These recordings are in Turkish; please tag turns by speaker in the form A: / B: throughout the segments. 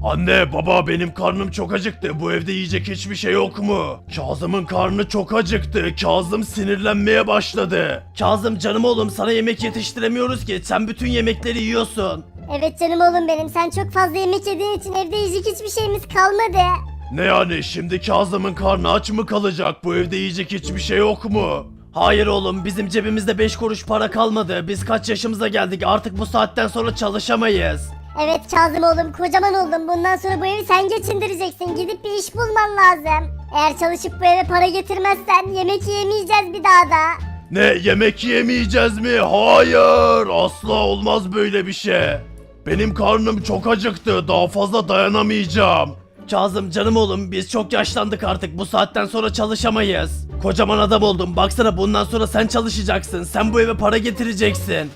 A: Anne baba benim karnım çok acıktı. Bu evde yiyecek hiçbir şey yok mu? Kazım'ın karnı çok acıktı. Kazım sinirlenmeye başladı. Kazım canım oğlum sana yemek yetiştiremiyoruz ki. Sen bütün yemekleri yiyorsun.
B: Evet canım oğlum benim. Sen çok fazla yemek yediğin için evde yiyecek hiçbir şeyimiz kalmadı.
A: Ne yani şimdi Kazım'ın karnı aç mı kalacak? Bu evde yiyecek hiçbir şey yok mu? Hayır oğlum bizim cebimizde 5 kuruş para kalmadı. Biz kaç yaşımıza geldik artık bu saatten sonra çalışamayız.
B: Evet Kazım oğlum kocaman oldun. Bundan sonra bu evi sen geçindireceksin. Gidip bir iş bulman lazım. Eğer çalışıp bu eve para getirmezsen yemek yiyemeyeceğiz bir daha da.
A: Ne yemek yemeyeceğiz mi? Hayır asla olmaz böyle bir şey. Benim karnım çok acıktı daha fazla dayanamayacağım. Kazım canım oğlum biz çok yaşlandık artık bu saatten sonra çalışamayız. Kocaman adam oldum baksana bundan sonra sen çalışacaksın sen bu eve para getireceksin.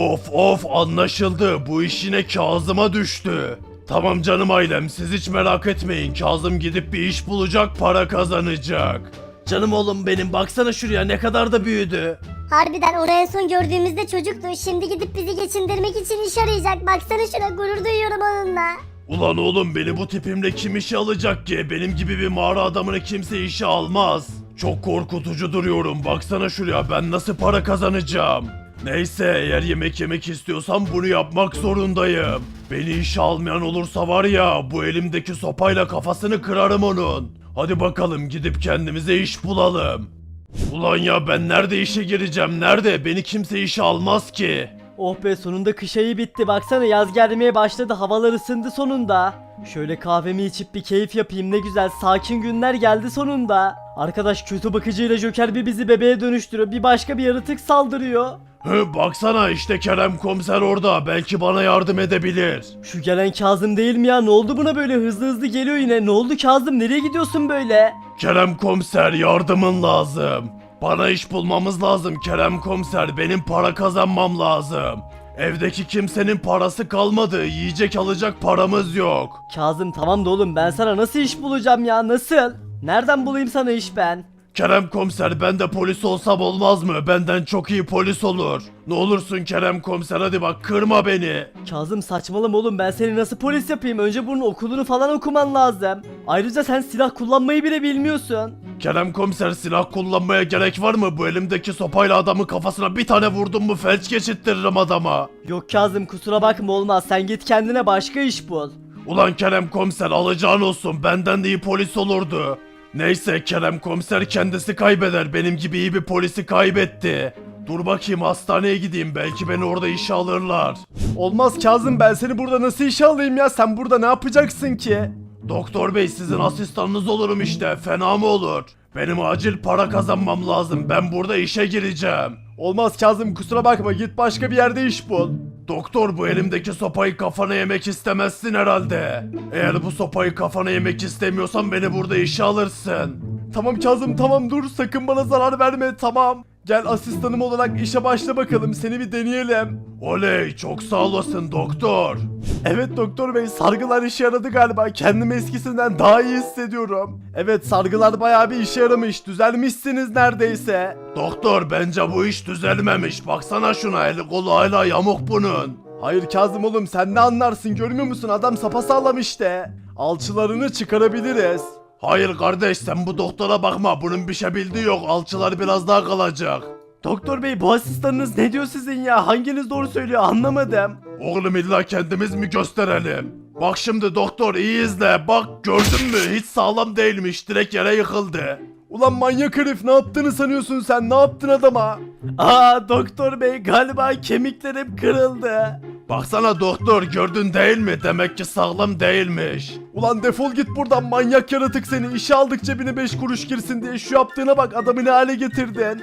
A: Of anlaşıldı bu iş yine Kazım'a düştü. Tamam canım ailem siz hiç merak etmeyin Kazım gidip bir iş bulacak para kazanacak. Canım oğlum benim baksana şuraya ne kadar da büyüdü.
B: Harbiden onu en son gördüğümüzde çocuktu. Şimdi gidip bizi geçindirmek için iş arayacak. Baksana şuna gurur duyuyorum onunla.
A: Ulan oğlum beni bu tipimle kim işe alacak ki? Benim gibi bir mağara adamını kimse işe almaz. Çok korkutucu duruyorum. Baksana şuraya ben nasıl para kazanacağım? Neyse eğer yemek yemek istiyorsam bunu yapmak zorundayım. Beni işe almayan olursa var ya bu elimdeki sopayla kafasını kırarım onun. Hadi bakalım gidip kendimize iş bulalım. Ulan ya ben nerede işe gireceğim nerede? Beni kimse işe almaz ki.
C: Oh be sonunda kış ayı bitti baksana yaz gelmeye başladı havalar ısındı sonunda. Şöyle kahvemi içip bir keyif yapayım ne güzel sakin günler geldi sonunda. Arkadaş kötü bakıcıyla Joker bir bizi bebeğe dönüştürüyor bir başka bir yaratık saldırıyor.
A: Baksana işte Kerem komiser orada belki bana yardım edebilir.
C: Şu gelen Kazım değil mi ya ne oldu buna böyle hızlı hızlı geliyor yine ne oldu Kazım nereye gidiyorsun böyle?
A: Kerem komiser yardımın lazım. Bana iş bulmamız lazım Kerem komiser benim para kazanmam lazım. Evdeki kimsenin parası kalmadı yiyecek alacak paramız yok.
C: Kazım tamam da oğlum ben sana nasıl iş bulacağım ya nasıl? Nereden bulayım sana iş ben?
A: Kerem komiser ben de polis olsam olmaz mı? Benden çok iyi polis olur. Ne olursun Kerem komiser hadi bak kırma beni.
C: Kazım saçmalama oğlum ben seni nasıl polis yapayım önce bunun okulunu falan okuman lazım. Ayrıca sen silah kullanmayı bile bilmiyorsun.
A: Kerem komiser silah kullanmaya gerek var mı? Bu elimdeki sopayla adamın kafasına bir tane vurdum mu felç geçittiririm adama.
C: Yok Kazım kusura bakma olmaz sen git kendine başka iş bul.
A: Ulan Kerem komiser alacağın olsun benden de iyi polis olurdu. Neyse Kerem komiser kendisi kaybeder benim gibi iyi bir polisi kaybetti. Dur bakayım hastaneye gideyim belki beni orada işe alırlar.
D: Olmaz Kazım ben seni burada nasıl işe alayım ya sen burada ne yapacaksın ki?
A: Doktor bey sizin asistanınız olurum işte fena mı olur? Benim acil para kazanmam lazım ben burada işe gireceğim.
D: Olmaz Kazım kusura bakma git başka bir yerde iş bul.
A: Doktor bu elimdeki sopayı kafana yemek istemezsin herhalde. Eğer bu sopayı kafana yemek istemiyorsan beni burada işe alırsın.
D: Tamam Kazım tamam dur sakın bana zarar verme tamam. Gel asistanım olarak işe başla bakalım seni bir deneyelim.
A: Oley çok sağ olasın doktor.
D: Evet doktor bey sargılar işe yaradı galiba kendimi eskisinden daha iyi hissediyorum. Evet sargılar bayağı bir işe yaramış düzelmişsiniz neredeyse.
A: Doktor bence bu iş düzelmemiş. Baksana şuna eli kolu hala yamuk bunun.
D: Hayır Kazım oğlum sen ne anlarsın görmüyor musun adam sapasağlam işte. Alçılarını çıkarabiliriz.
A: Hayır kardeş sen bu doktora bakma. Bunun bir şey bildiği yok. Alçılar biraz daha kalacak.
D: Doktor bey bu asistanınız ne diyor sizin ya hanginiz doğru söylüyor anlamadım.
A: Oğlum illa kendimiz mi gösterelim? Bak şimdi doktor iyi izle. Bak gördün mü? Hiç sağlam değilmiş. Direkt yere yıkıldı.
D: Ulan manyak herif ne yaptığını sanıyorsun sen ne yaptın adama?
C: Aa doktor bey galiba kemiklerim kırıldı.
A: Baksana doktor gördün değil mi? Demek ki sağlam değilmiş.
D: Ulan defol git buradan manyak yaratık seni işe aldık cebine 5 kuruş girsin diye şu yaptığına bak adamı ne hale getirdin.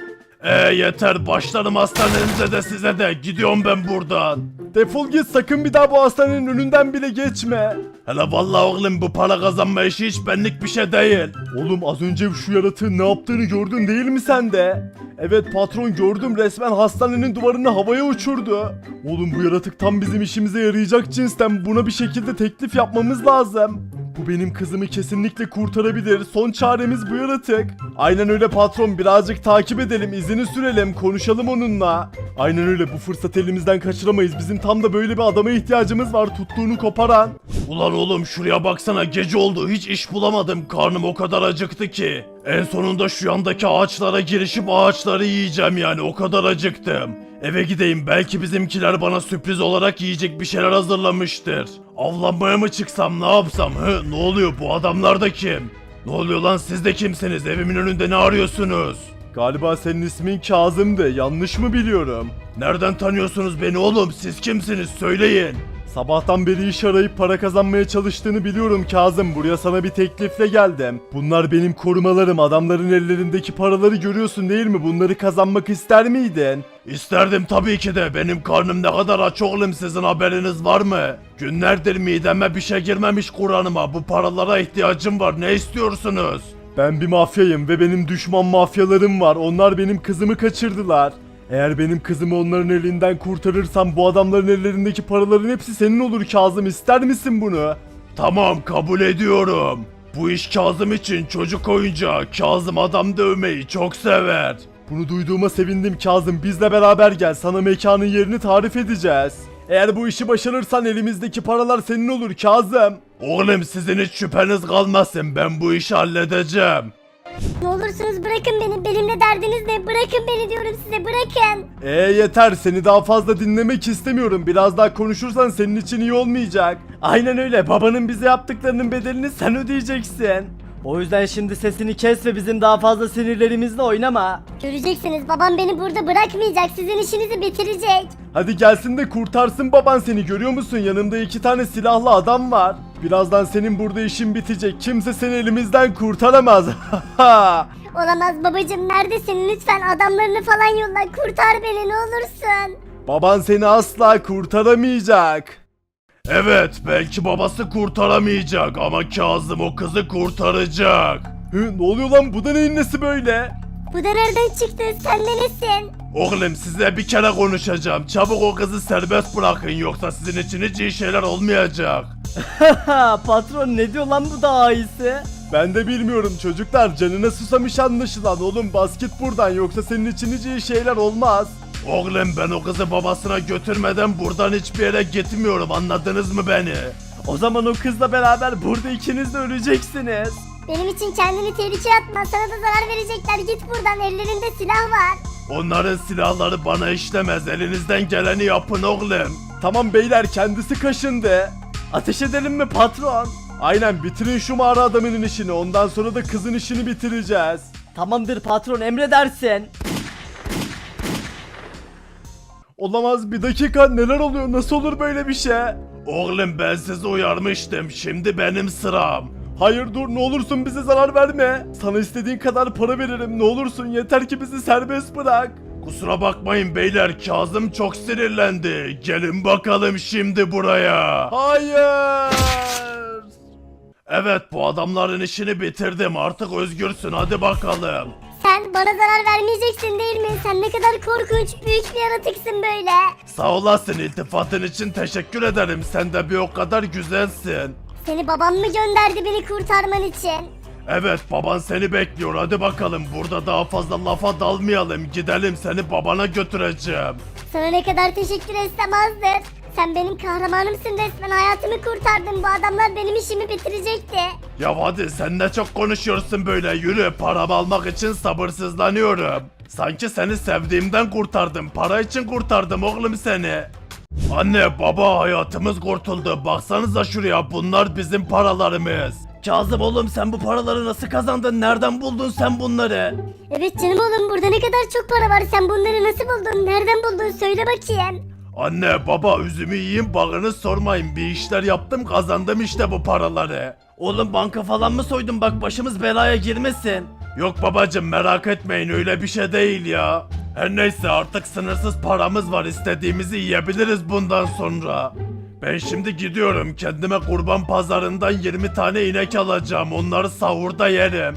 A: Yeter başlarım hastanenize de size de. Gidiyorum ben buradan.
D: Defol git sakın bir daha bu hastanenin önünden bile geçme.
A: Hele vallahi oğlum bu para kazanma işi hiç benlik bir şey değil.
D: Oğlum az önce şu yaratığın ne yaptığını gördün değil mi sen de? Evet patron gördüm resmen hastanenin duvarını havaya uçurdu. Oğlum bu yaratık tam bizim işimize yarayacak cinsten buna bir şekilde teklif yapmamız lazım. Bu benim kızımı kesinlikle kurtarabilir. Son çaremiz bu yaratık. Aynen öyle patron, birazcık takip edelim, izini sürelim, konuşalım onunla. Aynen öyle, bu fırsatı elimizden kaçıramayız. Bizim tam da böyle bir adama ihtiyacımız var, tuttuğunu koparan.
A: Ulan oğlum şuraya baksana, gece oldu, hiç iş bulamadım, karnım o kadar acıktı ki. En sonunda şu yandaki ağaçlara girişip ağaçları yiyeceğim, yani o kadar acıktım. Eve gideyim, belki bizimkiler bana sürpriz olarak yiyecek bir şeyler hazırlamıştır. Avlanmaya mı çıksam, ne yapsam? Ne oluyor, bu adamlar da kim? Ne oluyor lan, siz de kimsiniz? Evimin önünde ne arıyorsunuz?
D: Galiba senin ismin Kazım'dı, yanlış mı biliyorum?
A: Nereden tanıyorsunuz beni oğlum, siz kimsiniz, söyleyin.
D: Sabahtan beri iş arayıp para kazanmaya çalıştığını biliyorum Kazım. Buraya sana bir teklifle geldim. Bunlar benim korumalarım. Adamların ellerindeki paraları görüyorsun değil mi? Bunları kazanmak ister miydin?
A: İsterdim tabii ki de, benim karnım ne kadar aç oğlum, sizin haberiniz var mı? Günlerdir mideme bir şey girmemiş Kur'an'ıma, bu paralara ihtiyacım var, ne istiyorsunuz?
D: Ben bir mafyayım ve benim düşman mafyalarım var. Onlar benim kızımı kaçırdılar. Eğer benim kızımı onların elinden kurtarırsam bu adamların ellerindeki paraların hepsi senin olur Kazım. İster misin bunu?
A: Tamam, kabul ediyorum. Bu iş Kazım için çocuk oyuncağı, Kazım adam dövmeyi çok sever.
D: Bunu duyduğuma sevindim Kazım. Bizle beraber gel. Sana mekanın yerini tarif edeceğiz. Eğer bu işi başarırsan elimizdeki paralar senin olur Kazım.
A: Oğlum sizin hiç şüpheniz kalmasın, ben bu işi halledeceğim.
B: Ne olursunuz bırakın beni. Benimle derdiniz ne? Bırakın beni diyorum size, bırakın.
D: Yeter, seni daha fazla dinlemek istemiyorum. Biraz daha konuşursan senin için iyi olmayacak. Aynen öyle, babanın bize yaptıklarının bedelini sen ödeyeceksin.
C: O yüzden şimdi sesini kes ve bizim daha fazla sinirlerimizle oynama.
B: Göreceksiniz, babam beni burada bırakmayacak. Sizin işinizi bitirecek.
D: Hadi gelsin de kurtarsın baban seni, görüyor musun? Yanımda 2 tane silahlı adam var. Birazdan senin burada işin bitecek. Kimse seni elimizden kurtaramaz.
B: Olamaz babacım, neredesin? Lütfen adamlarını falan yolla. Kurtar beni ne olursun.
D: Baban seni asla kurtaramayacak.
A: Evet, belki babası kurtaramayacak ama Kazım o kızı kurtaracak.
D: Ne oluyor lan, bu da neyin nesi böyle?
B: Bu da nereden çıktı? Sen de nesin?
A: Oğlum size bir kere konuşacağım. Çabuk o kızı serbest bırakın, yoksa sizin için hiç iyi şeyler olmayacak.
C: Patron ne diyor lan bu daha iyisi?
D: Ben de bilmiyorum çocuklar, canına susamış anlaşılan. Oğlum bas git buradan, yoksa senin için hiç iyi şeyler olmaz.
A: Oğlum ben o kızı babasına götürmeden buradan hiçbir yere gitmiyorum, anladınız mı beni?
C: O zaman o kızla beraber burada ikiniz de öleceksiniz.
B: Benim için kendini tehlikeye atma. Sana da zarar verecekler. Git buradan. Ellerinde silah var.
A: Onların silahları bana işlemez, elinizden geleni yapın oğlum.
D: Tamam beyler, kendisi kaşındı. Ateş edelim mi patron? Aynen, bitirin şu mağara adamının işini, ondan sonra da kızın işini bitireceğiz.
C: Tamamdır patron, emredersin.
D: Olamaz, bir dakika, neler oluyor, nasıl olur böyle bir şey?
A: Oğlum ben sizi uyarmıştım, şimdi benim sıram.
D: Hayır dur, ne olursun bize zarar verme. Sana istediğin kadar para veririm, ne olursun, yeter ki bizi serbest bırak.
A: Kusura bakmayın beyler, Kazım çok sinirlendi. Gelin bakalım şimdi buraya.
D: Hayır.
A: Evet, bu adamların işini bitirdim, artık özgürsün, hadi bakalım.
B: Sen bana zarar vermeyeceksin değil mi? Sen ne kadar korkunç, büyük bir yaratıksın böyle.
A: Sağ olasın, iltifatın için teşekkür ederim, sen de bir o kadar güzelsin.
B: Seni babam mı gönderdi beni kurtarman için?
A: Evet, baban seni bekliyor, hadi bakalım, burada daha fazla lafa dalmayalım, gidelim, seni babana götüreceğim.
B: Sana ne kadar teşekkür etsem azdır. Sen benim kahramanımsın resmen, hayatımı kurtardın. Bu adamlar benim işimi bitirecekti.
A: Ya hadi sen ne çok konuşuyorsun böyle, yürü, paramı almak için sabırsızlanıyorum. Sanki seni sevdiğimden kurtardım, para için kurtardım oğlum seni. Anne baba, hayatımız kurtuldu, baksanıza şuraya, bunlar bizim paralarımız. Kazım oğlum, sen bu paraları nasıl kazandın, nereden buldun sen bunları?
B: Evet canım oğlum, burada ne kadar çok para var. Sen bunları nasıl buldun? Nereden buldun? Söyle bakayım.
A: Anne baba, üzümü yiyin bağını sormayın, bir işler yaptım, kazandım işte bu paraları. Oğlum banka falan mı soydun, bak başımız belaya girmesin. Yok babacım, merak etmeyin, öyle bir şey değil ya. Her neyse, artık sınırsız paramız var, istediğimizi yiyebiliriz bundan sonra. Ben şimdi gidiyorum, kendime kurban pazarından 20 tane inek alacağım, onları sahurda yerim.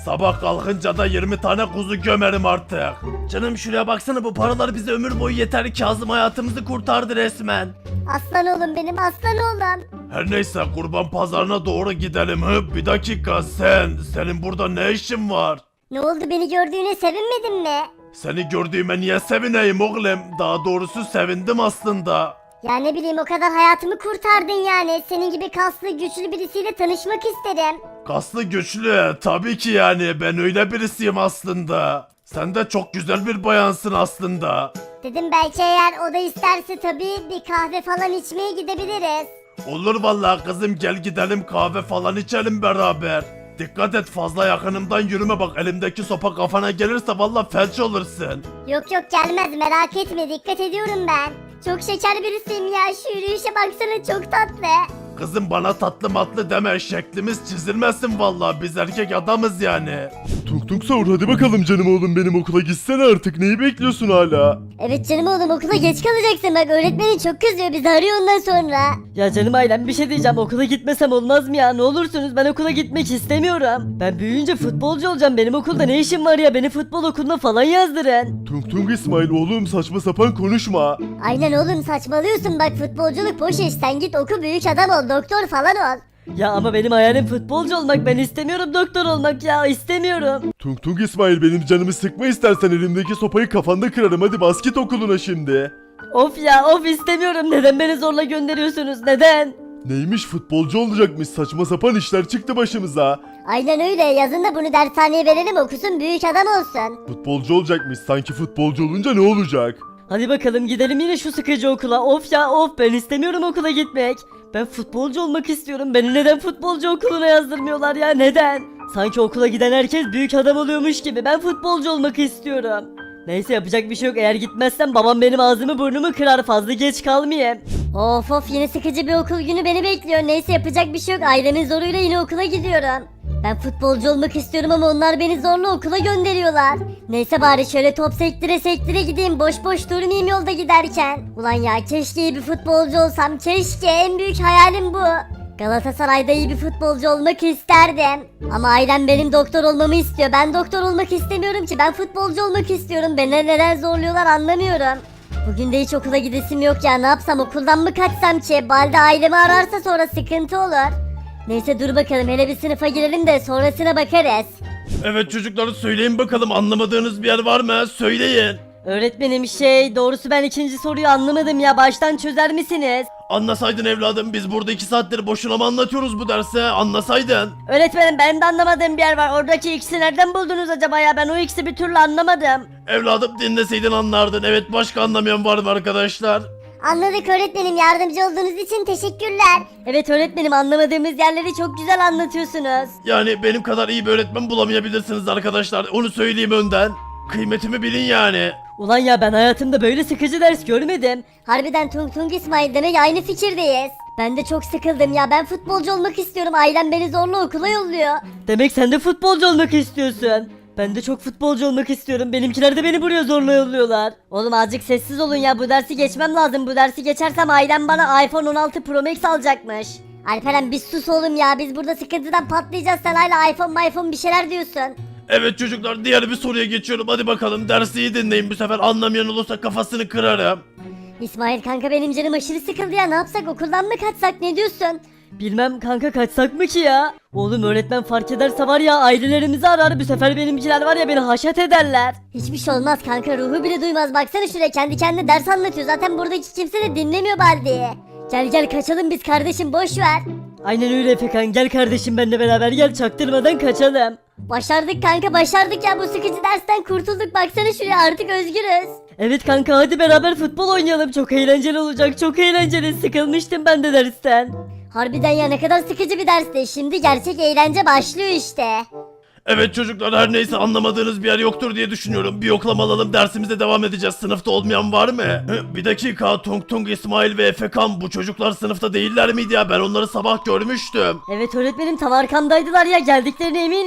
A: Sabah kalkınca da 20 tane kuzu gömerim artık. Canım şuraya baksana, bu paralar bize ömür boyu yeter. Kazım hayatımızı kurtardı resmen.
B: Aslan oğlum benim, aslan oğlum.
A: Her neyse, kurban pazarına doğru gidelim. Bir dakika, senin burada ne işin var?
B: Ne oldu, beni gördüğüne sevinmedin mi?
A: Seni gördüğüme niye sevineyim oğlum? Daha doğrusu sevindim aslında.
B: Ya ne bileyim, o kadar hayatımı kurtardın yani. Senin gibi kaslı güçlü birisiyle tanışmak isterim.
A: Kaslı güçlü, tabii ki yani ben öyle birisiyim aslında. Sen de çok güzel bir bayansın aslında.
B: Dedim belki eğer o da isterse tabii bir kahve falan içmeye gidebiliriz.
A: Olur vallahi kızım, gel gidelim kahve falan içelim beraber. Dikkat et, fazla yakınımdan yürüme, bak elimdeki sopa kafana gelirse vallahi felç olursun.
B: Yok yok, gelmez, merak etme, dikkat ediyorum ben. Çok şeker birisiyim ya, şu yürüyüşe baksana, çok tatlı.
A: Kızım bana tatlı matlı deme, şeklimiz çizilmesin vallahi, biz erkek adamız yani.
D: Tung Tung Sahur hadi bakalım canım oğlum benim, okula gitsene artık, neyi bekliyorsun hala?
B: Evet canım oğlum, okula geç kalacaksın, bak öğretmenin çok kızıyor, bizi arıyor ondan sonra.
C: Ya canım ailem, bir şey diyeceğim, okula gitmesem olmaz mı ya? Ne olursunuz, ben okula gitmek istemiyorum. Ben büyüyünce futbolcu olacağım, benim okulda ne işim var ya? Beni futbol okuluna falan yazdırın.
D: Tung Tung İsmail oğlum saçma sapan konuşma.
B: Aynen oğlum, saçmalıyorsun, bak futbolculuk boş iş, sen git oku, büyük adam ol, doktor falan ol.
C: Ya ama benim hayalim futbolcu olmak, ben istemiyorum doktor olmak ya, istemiyorum.
D: Tung Tung İsmail benim canımı sıkma, istersen elimdeki sopayı kafanda kırarım, hadi bas git okuluna şimdi.
C: Of ya of, istemiyorum, neden beni zorla gönderiyorsunuz, neden?
D: Neymiş, futbolcu olacakmış, saçma sapan işler çıktı başımıza.
B: Aynen öyle, yazın da bunu dershaneye verelim, okusun, büyük adam olsun.
D: Futbolcu olacakmış, sanki futbolcu olunca ne olacak?
C: Hadi bakalım gidelim yine şu sıkıcı okula. Of ya of, ben istemiyorum okula gitmek. Ben futbolcu olmak istiyorum. Beni neden futbolcu okuluna yazdırmıyorlar ya, neden? Sanki okula giden herkes büyük adam oluyormuş gibi. Ben futbolcu olmak istiyorum. Neyse, yapacak bir şey yok. Eğer gitmezsem babam benim ağzımı burnumu kırar, fazla geç kalmayayım.
B: Of of, yine sıkıcı bir okul günü beni bekliyor. Neyse, yapacak bir şey yok, ailemin zoruyla yine okula gidiyorum. Ben futbolcu olmak istiyorum ama onlar beni zorla okula gönderiyorlar. Neyse, bari şöyle top sektire sektire gideyim, boş boş durmayayım yolda giderken. Ulan ya, keşke iyi bir futbolcu olsam, keşke, en büyük hayalim bu. Galatasaray'da iyi bir futbolcu olmak isterdim. Ama ailem benim doktor olmamı istiyor. Ben doktor olmak istemiyorum ki, ben futbolcu olmak istiyorum. Beni neden zorluyorlar anlamıyorum. Bugün de hiç okula gidesim yok ya, ne yapsam, okuldan mı kaçsam ki? Balde ailemi ararsa sonra sıkıntı olur. Neyse dur bakalım, hele bir sınıfa girelim de sonrasına bakarız.
A: Evet çocuklar, söyleyin bakalım, anlamadığınız bir yer var mı? Söyleyin.
C: Öğretmenim doğrusu ben ikinci soruyu anlamadım ya, baştan çözer misiniz?
A: Anlasaydın evladım, biz burada 2 saattir boşuna mı anlatıyoruz bu dersi? Anlasaydın.
C: Öğretmenim, benim de anlamadığım bir yer var. Oradaki ikisi nereden buldunuz acaba ya? Ben o ikisi bir türlü anlamadım.
A: Evladım dinleseydin anlardın. Evet, başka anlamayan var mı arkadaşlar?
B: Anladık öğretmenim, yardımcı olduğunuz için teşekkürler.
C: Evet öğretmenim, anlamadığımız yerleri çok güzel anlatıyorsunuz.
A: Yani benim kadar iyi bir öğretmen bulamayabilirsiniz arkadaşlar. Onu söyleyeyim önden. Kıymetimi bilin yani.
C: Ulan ya, ben hayatımda böyle sıkıcı ders görmedim.
B: Harbiden Tung Tung İsmail, demek aynı fikirdeyiz. Ben de çok sıkıldım ya, ben futbolcu olmak istiyorum, ailem beni zorla okula yolluyor.
C: Demek sen de futbolcu olmak istiyorsun. Ben de çok futbolcu olmak istiyorum. Benimkiler de beni buraya zorla yolluyorlar.
B: Oğlum azıcık sessiz olun ya, bu dersi geçmem lazım. Bu dersi geçersem ailem bana iPhone 16 Pro Max alacakmış. Alperen bir sus oğlum ya, biz burada sıkıntıdan patlayacağız, sen hala iPhone bir şeyler diyorsun.
A: Evet çocuklar, diğer bir soruya geçiyorum. Hadi bakalım, dersi iyi dinleyin. Bu sefer anlamayan olursa kafasını kırarım.
B: İsmail kanka, benim canım aşırı sıkıldı ya, ne yapsak, okuldan mı kaçsak, ne diyorsun?
C: Bilmem kanka, kaçsak mı ki ya? Oğlum öğretmen fark ederse var ya, ailelerimizi arar. Bu sefer benimkiler var ya, beni haşet ederler.
B: Hiçbir şey olmaz kanka, ruhu bile duymaz, baksana şuraya, kendi kendine ders anlatıyor, zaten buradaki kimse de dinlemiyor Baldi'yi. Gel gel kaçalım biz kardeşim, boş ver.
C: Aynen öyle Efekan, gel kardeşim benimle beraber, gel çaktırmadan kaçalım.
B: Başardık kanka, başardık ya, bu sıkıcı dersten kurtulduk, baksana şuraya, artık özgürüz.
C: Evet kanka, hadi beraber futbol oynayalım, çok eğlenceli olacak, çok eğlenceli, sıkılmıştım ben de dersten.
B: Harbiden ya, ne kadar sıkıcı bir dersti, şimdi gerçek eğlence başlıyor işte.
A: Evet çocuklar, her neyse, anlamadığınız bir yer yoktur diye düşünüyorum. Bir yoklama alalım, dersimize devam edeceğiz. Sınıfta olmayan var mı? Bir dakika, Tung Tung İsmail ve Efekan, bu çocuklar sınıfta değiller miydi ya? Ben onları sabah görmüştüm.
C: Evet öğretmenim, tam arkamdaydılar ya, geldiklerine eminim.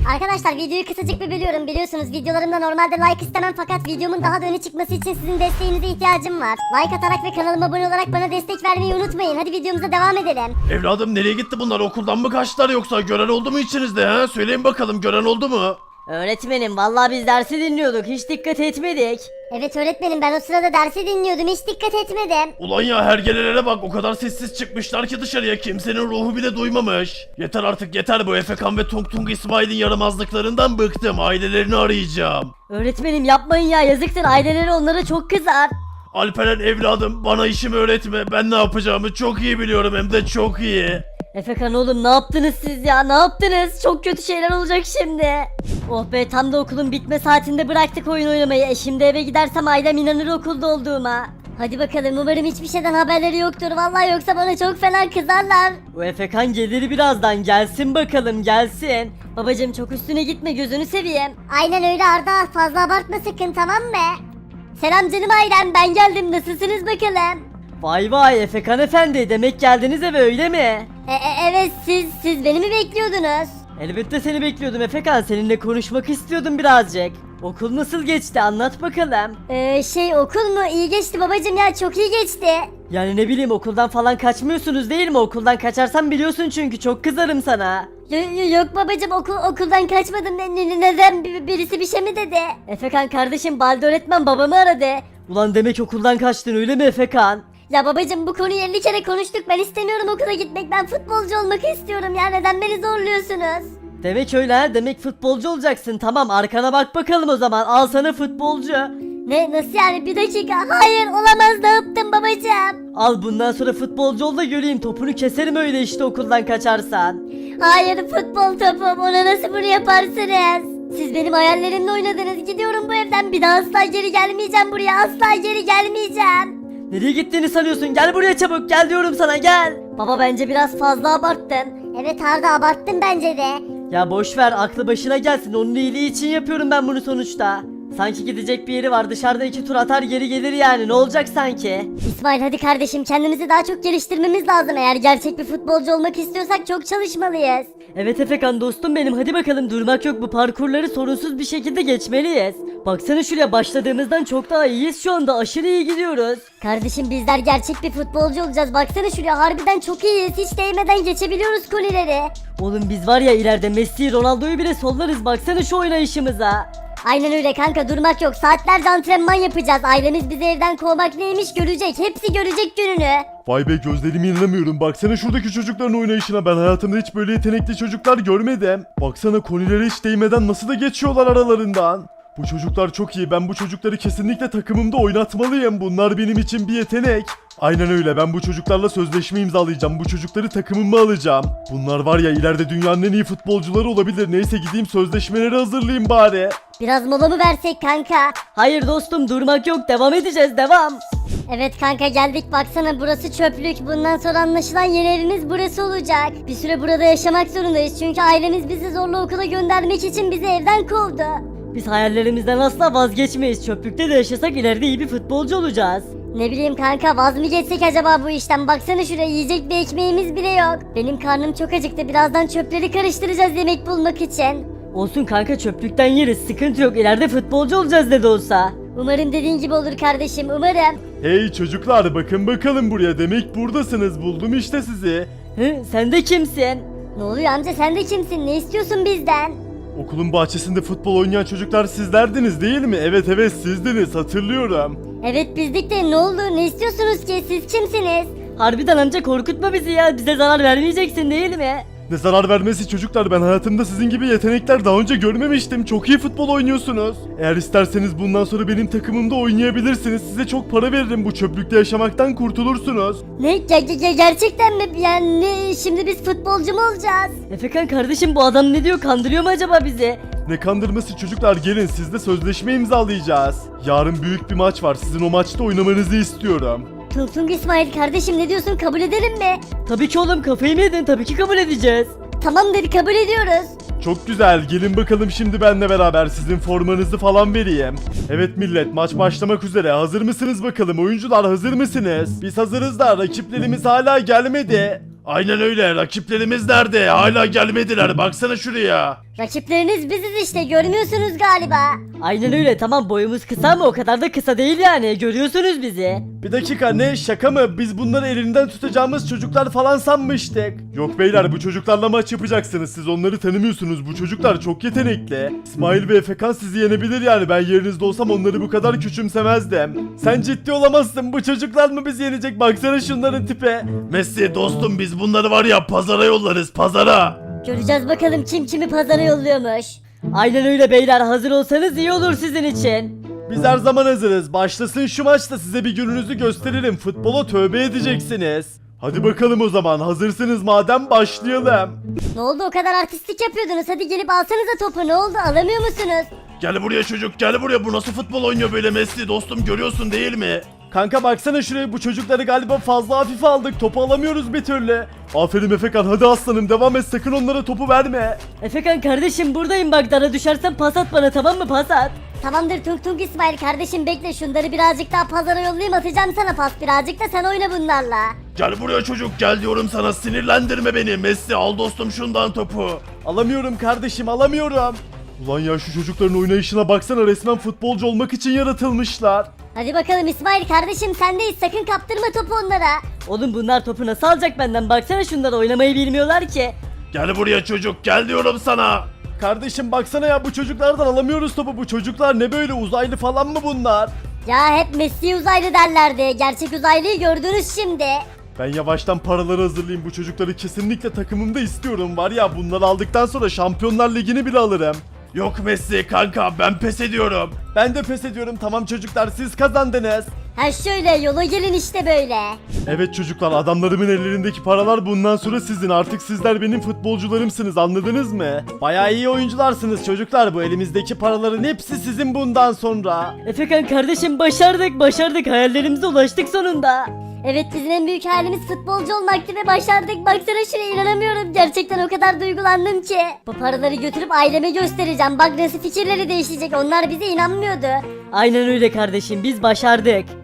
B: Arkadaşlar videoyu kısacık bir bölüyorum. Biliyorsunuz videolarımda normalde like istemem fakat videomun daha da öne çıkması için sizin desteğinize ihtiyacım var. Like atarak ve kanalıma abone olarak bana destek vermeyi unutmayın. Hadi videomuza devam edelim.
A: Evladım nereye gitti bunlar, okuldan mı kaçtılar yoksa gören oldu mu içinizde ha? Söyleyin bakalım, gören oldu mu?
C: Öğretmenim vallahi biz dersi dinliyorduk hiç dikkat etmedik.
B: Evet öğretmenim, ben o sırada dersi dinliyordum, hiç dikkat etmedim.
A: Ulan ya, hergelelere bak, o kadar sessiz çıkmışlar ki dışarıya, kimsenin ruhu bile duymamış. Yeter artık yeter, bu Efekan ve Tung Tung İsmail'in yaramazlıklarından bıktım, ailelerini arayacağım.
C: Öğretmenim yapmayın ya, yazıktır, aileleri onlara çok kızar.
A: Alperen evladım, bana işimi öğretme, ben ne yapacağımı çok iyi biliyorum, hem de çok iyi.
C: Efekan oğlum ne yaptınız siz ya, ne yaptınız? Çok kötü şeyler olacak şimdi. Oh be, tam da okulun bitme saatinde bıraktık oyun oynamayı. Şimdi eve gidersem ailem inanır okulda olduğuma.
B: Hadi bakalım, umarım hiçbir şeyden haberleri yoktur. Vallahi yoksa bana çok fena kızarlar.
C: O Efekan gelir birazdan, gelsin bakalım gelsin. Babacım çok üstüne gitme, gözünü seveyim.
B: Aynen öyle Arda, fazla abartma sakın, tamam mı? Selam canım ailem, ben geldim, nasılsınız bakalım?
C: Vay vay Efekan efendi, demek geldiniz eve öyle mi?
B: Evet, siz beni mi bekliyordunuz?
C: Elbette seni bekliyordum Efekan, seninle konuşmak istiyordum birazcık. Okul nasıl geçti, anlat bakalım.
B: Okul mu? İyi geçti babacım ya, çok iyi geçti.
C: Yani ne bileyim, okuldan falan kaçmıyorsunuz değil mi? Okuldan kaçarsan biliyorsun çünkü çok kızarım sana.
B: Yok babacım, okuldan kaçmadım. Neden birisi bir şey mi dedi?
C: Efekan kardeşim, Balde öğretmen babamı aradı. Ulan demek okuldan kaçtın öyle mi Efekan?
B: Ya babacım, bu konuyu 50 kere konuştuk, ben istemiyorum okula gitmek, ben futbolcu olmak istiyorum ya, neden beni zorluyorsunuz?
C: Demek öyle ha, demek futbolcu olacaksın, tamam arkana bak bakalım o zaman, al sana futbolcu.
B: Ne, nasıl yani, bir dakika, hayır olamaz, ne yaptın babacım?
C: Al bundan sonra futbolcu ol da göreyim, topunu keserim öyle işte okuldan kaçarsan.
B: Hayır, futbol topum, ona nasıl bunu yaparsınız? Siz benim hayallerimle oynadınız, gidiyorum bu evden, bir daha asla geri gelmeyeceğim buraya, asla geri gelmeyeceğim.
C: Nereye gittiğini sanıyorsun, gel buraya çabuk, gel diyorum sana, gel.
B: Baba bence biraz fazla abarttın. Evet Arda, abarttın bence de.
C: Ya boş ver, aklı başına gelsin, onun iyiliği için yapıyorum ben bunu sonuçta. Sanki gidecek bir yeri var, dışarıda 2 tur atar geri gelir yani, ne olacak sanki?
B: İsmail hadi kardeşim, kendimizi daha çok geliştirmemiz lazım. Eğer gerçek bir futbolcu olmak istiyorsak çok çalışmalıyız.
C: Evet Efekan dostum benim, hadi bakalım, durmak yok, bu parkurları sorunsuz bir şekilde geçmeliyiz. Baksana şuraya, başladığımızdan çok daha iyiyiz şu anda, aşırı iyi gidiyoruz.
B: Kardeşim bizler gerçek bir futbolcu olacağız. Baksana şuraya, harbiden çok iyiyiz. Hiç değmeden geçebiliyoruz kolileri.
C: Oğlum biz var ya, ileride Messi, Ronaldo'yu bile sollarız, baksana şu oynayışımıza.
B: Aynen öyle kanka, durmak yok. Saatlerce antrenman yapacağız. Ailemiz bizi evden kovmak neymiş görecek. Hepsi görecek gününü.
D: Vay be, gözlerime inanamıyorum. Baksana şuradaki çocukların oynayışına. Ben hayatımda hiç böyle yetenekli çocuklar görmedim. Baksana, konilere hiç değmeden nasıl da geçiyorlar aralarından. Bu çocuklar çok iyi. Ben bu çocukları kesinlikle takımımda oynatmalıyım. Bunlar benim için bir yetenek. Aynen öyle, ben bu çocuklarla sözleşme imzalayacağım. Bu çocukları takımıma alacağım. Bunlar var ya, ileride dünyanın en iyi futbolcuları olabilir. Neyse, gideyim sözleşmeleri hazırlayayım bari.
B: Biraz mola mı versek kanka?
C: Hayır dostum, durmak yok, devam edeceğiz, devam.
B: Evet kanka, geldik, baksana burası çöplük. Bundan sonra anlaşılan yeni evimiz burası olacak. Bir süre burada yaşamak zorundayız. Çünkü ailemiz bizi zorla okula göndermek için bizi evden kovdu.
C: Biz hayallerimizden asla vazgeçmeyiz, çöplükte de yaşasak ileride iyi bir futbolcu olacağız.
B: Ne bileyim kanka, vaz mı geçsek acaba bu işten? Baksana şuraya, yiyecek bir ekmeğimiz bile yok. Benim karnım çok acıktı, birazdan çöpleri karıştıracağız yemek bulmak için.
C: Olsun kanka, çöplükten yeriz, sıkıntı yok, ileride futbolcu olacağız ne de olsa.
B: Umarım dediğin gibi olur kardeşim, umarım.
D: Hey çocuklar, bakın bakalım buraya. Demek buradasınız. Buldum işte sizi.
C: Hı, sen de kimsin?
B: Ne oluyor amca, sen de kimsin? Ne istiyorsun bizden?
D: Okulun bahçesinde futbol oynayan çocuklar sizlerdiniz değil mi? Evet sizdiniz, hatırlıyorum.
B: Evet bizdik de, ne oldu? Ne istiyorsunuz ki? Siz kimsiniz?
C: Harbiden amca, korkutma bizi ya, bize zarar vermeyeceksin değil mi?
D: Ne zarar vermesi çocuklar, ben hayatımda sizin gibi yetenekler daha önce görmemiştim. Çok iyi futbol oynuyorsunuz. Eğer isterseniz bundan sonra benim takımımda oynayabilirsiniz. Size çok para veririm, bu çöplükte yaşamaktan kurtulursunuz.
B: Ne? Gerçekten mi? Yani şimdi biz futbolcu mu olacağız?
C: Efekan kardeşim, bu adam ne diyor, kandırıyor mu acaba bizi?
D: Ne kandırması çocuklar, gelin sizle sözleşme imzalayacağız. Yarın büyük bir maç var, sizin o maçta oynamanızı istiyorum.
B: Tung Tung İsmail kardeşim, ne diyorsun, kabul edelim mi?
C: Tabii ki oğlum, kafayı mı yedin, tabii ki kabul edeceğiz.
B: Tamamdır, kabul ediyoruz.
D: Çok güzel, gelin bakalım şimdi benle beraber sizin formanızı falan vereyim. Evet millet, maç başlamak üzere, hazır mısınız bakalım, oyuncular hazır mısınız? Biz hazırız da rakiplerimiz hala gelmedi.
A: Aynen öyle, rakiplerimiz nerede? Hala gelmediler, baksana şuraya.
B: Rakipleriniz biziz işte, görmüyorsunuz galiba.
C: Aynen öyle, tamam boyumuz kısa ama o kadar da kısa değil yani, görüyorsunuz bizi.
D: Bir dakika, ne şaka mı? Biz bunları elinden tutacağımız çocuklar falan sanmıştık. Yok beyler, bu çocuklarla maç yapacaksınız. Siz onları tanımıyorsunuz. Bu çocuklar çok yetenekli. İsmail ve Efekan sizi yenebilir yani. Ben yerinizde olsam onları bu kadar küçümsemezdim. Sen ciddi olamazsın. Bu çocuklar mı bizi yenecek? Baksana şunların tipe.
A: Messi dostum, biz bunları var ya pazara yollarız, pazara.
B: Göreceğiz bakalım kim kimi pazara yolluyormuş.
C: Aynen öyle beyler, hazır olsanız iyi olur sizin için.
D: Biz her zaman hazırız. Başlasın şu maçta, size bir gününüzü gösteririm. Futbola tövbe edeceksiniz. Hadi bakalım o zaman. Hazırsınız madem, başlayalım.
B: Ne oldu, o kadar artistlik yapıyordunuz, hadi gelip alsanıza topu, ne oldu, alamıyor musunuz?
A: Gel buraya çocuk, gel buraya. Bu nasıl futbol oynuyor böyle Messi dostum, görüyorsun değil mi?
D: Kanka baksana şuraya, bu çocukları galiba fazla hafife aldık. Topu alamıyoruz bir türlü. Aferin Efekan, hadi aslanım devam et, sakın onlara topu verme.
C: Efekan kardeşim buradayım bak, dara düşersen pas at bana, tamam mı, pas at.
B: Tamamdır Tung Tung İsmail kardeşim, bekle şunları birazcık daha pazara yollayayım, atacağım sana pas, birazcık da sen oyna bunlarla.
A: Gel buraya çocuk, gel diyorum sana, sinirlendirme beni. Messi al dostum şundan topu.
D: Alamıyorum kardeşim, alamıyorum. Ulan ya, şu çocukların oynayışına baksana, resmen futbolcu olmak için yaratılmışlar.
B: Hadi bakalım İsmail kardeşim, sendeyiz, sakın kaptırma topu onlara.
C: Oğlum bunlar topu nasıl alacak benden, baksana şunlar oynamayı bilmiyorlar ki.
A: Gel buraya çocuk, gel diyorum sana.
D: Kardeşim baksana ya, bu çocuklardan alamıyoruz topu. Bu çocuklar ne böyle, uzaylı falan mı bunlar?
B: Ya hep Messi uzaylı derlerdi, gerçek uzaylıyı gördünüz şimdi.
D: Ben yavaştan paraları hazırlayayım, bu çocukları kesinlikle takımımda istiyorum. Var ya, bunları aldıktan sonra Şampiyonlar Ligi'ni bile alırım.
A: Yok Messi kanka, ben pes ediyorum.
D: Ben de pes ediyorum. Tamam çocuklar, siz kazandınız.
B: Ha şöyle yola gelin işte böyle.
D: Evet çocuklar, adamlarımın ellerindeki paralar bundan sonra sizin. Artık sizler benim futbolcularımsınız, anladınız mı? Bayağı iyi oyuncularsınız çocuklar. Bu elimizdeki paraların hepsi sizin bundan sonra.
C: Efekan kardeşim başardık, hayallerimize ulaştık sonunda.
B: Evet, bizim en büyük hayalimiz futbolcu olmaktı ve başardık. Baksana şuraya, inanamıyorum. Gerçekten o kadar duygulandım ki. Bu paraları götürüp aileme göstereceğim. Bak nasıl fikirleri değişecek. Onlar bize inanmıyordu.
C: Aynen öyle kardeşim, biz başardık.